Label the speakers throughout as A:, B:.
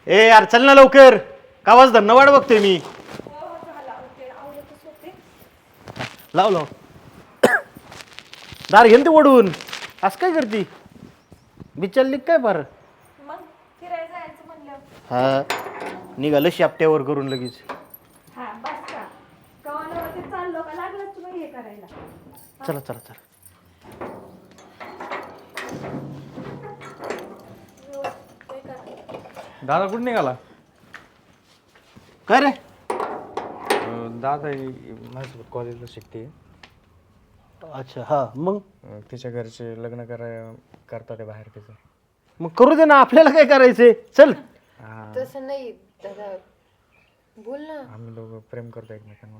A: ए यार चल ना लवकर. कावाच धन्न वाट बघतोय मी. लाव लाव. दार घेन ते ओढून. असं काय करती बिचारली काय फार.
B: मग फिरायला जायचं म्हणलं.
A: हा निघालं शापट्यावर करून लगेच.
B: हा बस का कवालावरती चाललो का लागलं तुम्ही हे करायला.
A: चला चला चला.
C: दादा कुठे निघाला?
A: काय रे?
C: दादा माझ्यासोबत कॉलेजला शिकते.
A: अच्छा हा मग
C: तिच्या घरचे लग्न करतात बाहेर तिचं.
A: मग करू दे ना आपल्याला काय करायचंय. चल.
D: तसं नाही दादा बोल ना.
C: आम्ही दोघं प्रेम करतो एकमेकांवर.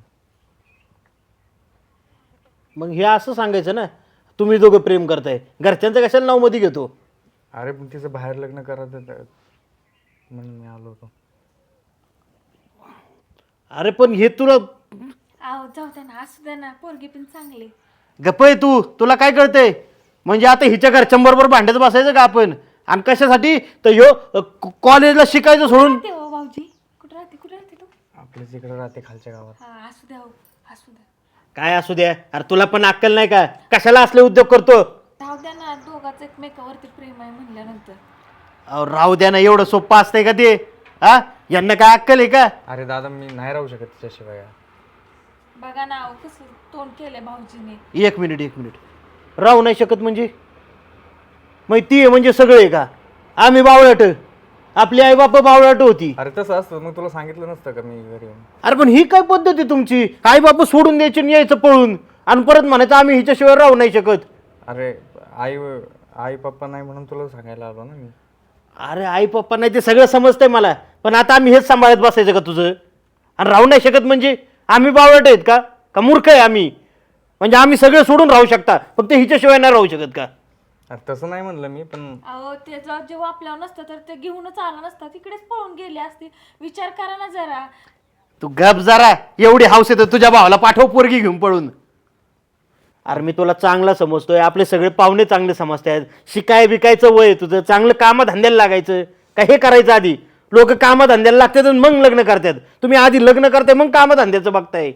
A: मग हे असं सांगायचं ना तुम्ही दोघं प्रेम करताय. घरच्यांचं कशाला नाव मध्ये घेतो.
C: अरे पण तिचं बाहेर लग्न करत म्हणून मी आलो होतो.
A: अरे पण हे तुला
B: आहो जाऊ दे ना असू दे ना पोरगी पण चांगली.
A: गप्प आहे तू. तुला काय कळतंय. म्हणजे आता हिच्या घरच्यांबरोबर भांडत बसायचं का आपण. आणि कशासाठी तर ह्यो कॉलेजला शिकायचं सोडून.
B: ते हो भाऊजी कुठे राहते तू?
C: आपल्याच इकडे राहते खालच्या गावात.
B: हा असू द्या हो असू द्या.
A: काय असू द्या. अरे तुला पण अक्कल नाही का. कशाला असले उद्योग करतो.
B: राहू द्या ना दोघांचं एकमेकावरती प्रेम आहे म्हणल्यानंतर.
A: अहो राहू द्या ना. एवढं सोपं असतंय का ते. हा यांना काय अक्कल आहे का.
C: अरे दादा मी नाही राहू शकत तिच्याशिवाय.
B: बघा ना अहो कसं तोंड केलंय भाऊजीने.
A: एक मिनिट. राहू नाही शकत म्हणजे मग ती आहे म्हणजे सगळे आहे का. आम्ही बावळट. आपली आई बाप बावळट होती.
C: अरे तसं असतं मग तुला सांगितलं नसतं का मी घरी येऊन.
A: अरे पण ही काय पद्धत आहे तुमची. आई बाप सोडून द्यायची आणि यायचं पळून. आणि परत म्हणायचं आम्ही हिच्याशिवाय राहू नाही शकत.
C: अरे आई पप्पा नाही म्हणून तुला सांगायला आलो ना मी.
A: अरे आई पप्पा नाही ते सगळं समजतंय मला. पण आता आम्ही हेच सांभाळत बसायचं का तुझं. आणि राहू नाही शकत म्हणजे आम्ही बावळट आहेत का मूर्ख आहे आम्ही. म्हणजे आम्ही सगळं सोडून राहू शकता फक्त हिच्याशिवाय नाही राहू शकत का.
C: अरे तसं नाही म्हणलं मी पण.
B: अहो ते जेव्हा आपल्यावर नसतं तर ते घेऊनच आला नसता. तिकडेच पळून गेले असते. विचार करा ना जरा.
A: तू गप जरा. एवढी हौस येतं तुझ्या भावाला पाठव पोरगी घेऊन पळून. अरे मी तुला चांगला समजतोय. आपले सगळे पाहुणे चांगले समजतात. शिकाय बिकायचं वय तुझं. चांगलं कामधंद्याला लागायचं का हे करायचं आधी. लोक कामधंद्याला लागतात आणि मग लग्न करतात. तुम्ही आधी लग्न करताय मग कामधंद्याचं बघताय.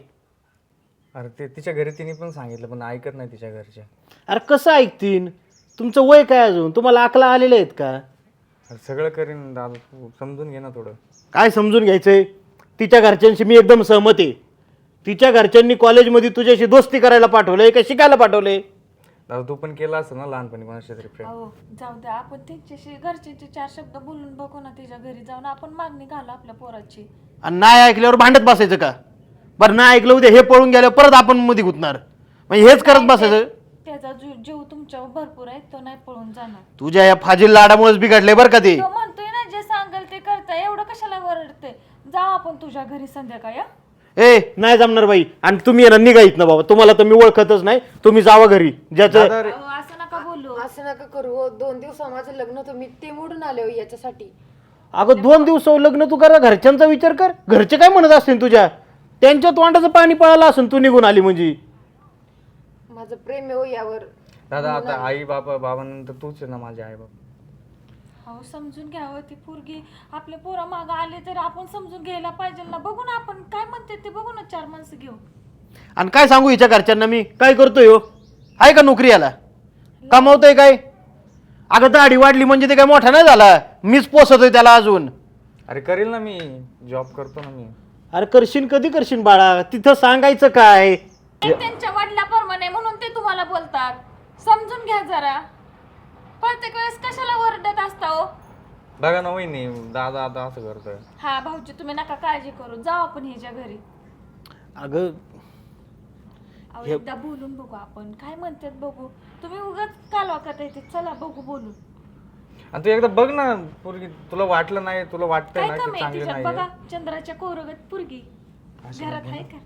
C: अरे ते तिच्या घरी तिने पण सांगितलं पण ऐकत नाही तिच्या घरचे.
A: अरे कसं ऐकतीन. तुमचं वय काय अजून. तुम्हाला अकला आलेले आहेत का.
C: अरे सगळं करीन दादा तू समजून घे ना थोडं.
A: काय समजून घ्यायचंय. तिच्या घरच्यांशी मी एकदम सहमत आहे. तिच्या घरच्यांनी कॉलेजमध्ये तुझ्याशी दोस्ती करायला पाठवलंय का शिकायला पाठवलंय.
C: दादा तू पण केला असं ना लहानपणी कोणाशी तरी प्रेम.
B: अहो जाऊ द्या आपण त्यांच्याशी घरच्यांचे 4 शब्द बोलून बघू ना. तिच्या घरी जाऊन आपण मागणी घालू आपल्या पोराची.
A: आणि नाही ऐकल्यावर भांडत बसायचं का. बरं नाही ऐकलं उद्या हे पळून गेल्यावर परत आपण मध्ये गुतणार. म्हणजे हेच करत बसायचं.
B: त्याचा जीव तुमच्यावर भरपूर आहे. तो नाही पळून जाणार.
A: तुझ्या या फाजील लाडामुळेच बिघडले बरं का ते.
B: तो म्हणतोय ना जे सांगेल ते करताय. एवढं कशाला वरडते. जाऊ आपण तुझ्या घरी संध्याकाळी.
A: ए नाही जमणार बाई. आणि तुम्ही येणार निघायत ना बाबा. तुम्हाला तर मी ओळखतच नाही. तुम्ही जावा घरी ज्याचं.
B: अहो, असं नका बोलू.
D: असं नका करू हो. 2 दिवस माझं लग्न होतं मी ते मोडून आले हो याच्यासाठी.
A: अगं 2 दिवस लग्न तू करा. घरच्यांचा विचार कर. घरचे काय म्हणत असतील तुझ्या. त्यांच्या तोंडाचं पाणी पळालं असेल तू निघून आली म्हणजे.
D: माझं प्रेम आहे हो यावर.
C: दादा आता आई बाबानंतर तूच आहे ना माझे आई बाबा.
B: अहो समजून घ्यावं. ती पोरगी आपल्या पोरा मागं आले तर आपण समजून घ्यायला पाहिजे ना. बघू ना आपण काय म्हणते ते बघू ना. 4 माणसं घेऊ.
A: आणि काय सांगू हिच्या घरच्यांना मी. काय करतोय हो. आहे का नोकरी याला. कमावतोय काय. अगं दाढी वाढली म्हणजे ते काय मोठा नाही झाला. मीच पोसतोय त्याला अजून.
C: अरे करेल ना मी. जॉब करतो ना मी.
A: अरे करशील कधी करशील बाळा. तिथं सांगायचं काय.
B: ते त्यांच्या वडिलाप्रमाणे म्हणून ते तुम्हाला बोलतात. समजून घ्या जरा. प्रत्येक वेळेस कशाला ओरडत असता हो.
C: बघा ना वहिनी दादा आता असं करतोय.
B: हा भाऊजी तुम्ही नका काळजी करू. जाऊ आपण हिच्या घरी.
A: अगं
B: अहो एकदा बोलून बघू आपण. काय म्हणतात बघू. तुम्ही उगाच कालवा करता येते. चला बघू बोलू.
C: आणि तू एकदा बघ ना पोरगी. तुला वाटलं नाही तुला वाटतंय
B: काय
C: ना
B: कमी
C: की
B: आहे
C: चांगली
B: तिच्यात
C: नाही.
B: बघा. चंद्राच्या कोरगत पोरगी घरात आहे का.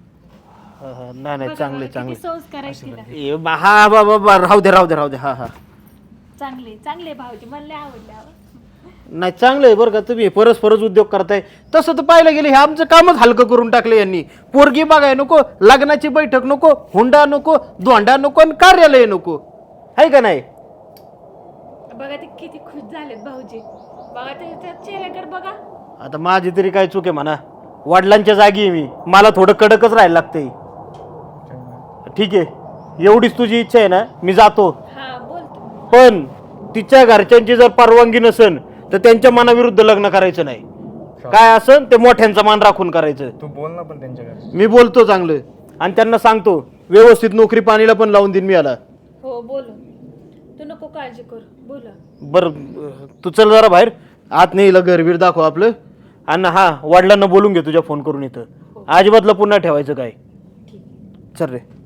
A: नाही नाही चांगले चांगले.
B: संस्कार आहे तिला.
A: हा बाबा राहू दे. हा हा
B: चांगले भाऊजी मला आवडले.
A: नाही चांगलं आहे बरं का. तुम्ही परस्परच उद्योग करताय. तसं तर पाहायला गेलं हे आमचं कामच हलकं करून टाकलं यांनी. पोरगी बघाय नको. लग्नाची बैठक नको. हुंडा नको. धोंडा नको. आणि कार्यालय नको. आहे का नाही.
B: बघा ते किती खुश झालेत भाऊजी. बघा त्याच्या चेहऱ्याकडे बघा.
A: आता माझी तरी काय चूक आहे म्हणा, वडिलांच्या जागी आहे मी, मला थोडं कडकच राहायला लागतंय. ठीक आहे, एवढीच तुझी इच्छा आहे ना, मी जातो.
B: हा बोलतो.
A: पण तिच्या घरच्यांची जर परवानगी नसेल तर त्यांच्या मनाविरुद्ध लग्न करायचं नाही. काय असन ते मोठ्यांचा मान राखून करायचं.
C: तू बोल ना पण त्यांच्याकडे.
A: मी बोलतो चांगलं आणि त्यांना सांगतो व्यवस्थित नोकरी पाणीला पण लावून देईन मी याला.
B: हो बोलू, तू नको काळजी कर, बोला.
A: बरं तू चल जरा बाहेर, आत नाही घरबीर दाखव आपलं. आणि हा, वडिलांना बोलून घे तुझ्या फोन करून इथं. अजिबात लपून नाही ठेवायचं काय. चल रे.